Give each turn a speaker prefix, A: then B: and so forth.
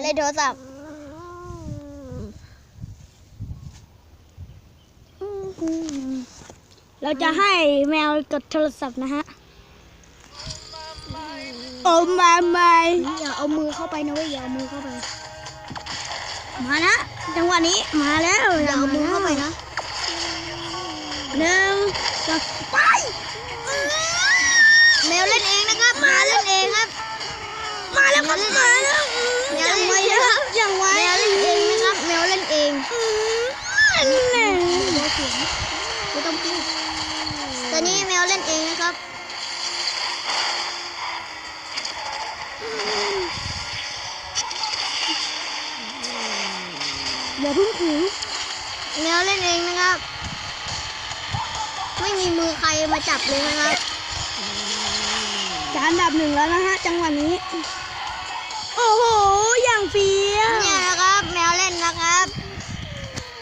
A: โทรศัพท์
B: เราจะให้แมวกดโทรศัพท์นะฮะโอ้มาไม่อย่าเอามือเข้าไปนะเว้ยอย่าเอามือเข้าไปมานะจังหวะนี้มาแล้ว
A: อย่าเอามือเข้าไปนะ
B: 1 2 ไป
A: แมวเล่นเองนะครับมาเล่นเองครับ
B: มาแล้วครับมาแล้ว
A: แมวเล่นเองครับ
B: อย่างไว
A: แมวเล่นเองนะครับแมวเล่นเอง
B: ไม่ต้องพูด
A: ตอนนี้แมวเล่นเองนะครับ
B: อย่าเพิ่งถือ
A: แมวเล่นเองนะครับ ไม่มีมือใครมาจับเลยนะครับ
B: จะอันดับ 1แล้วนะฮะจังหวะนี้โอ้โห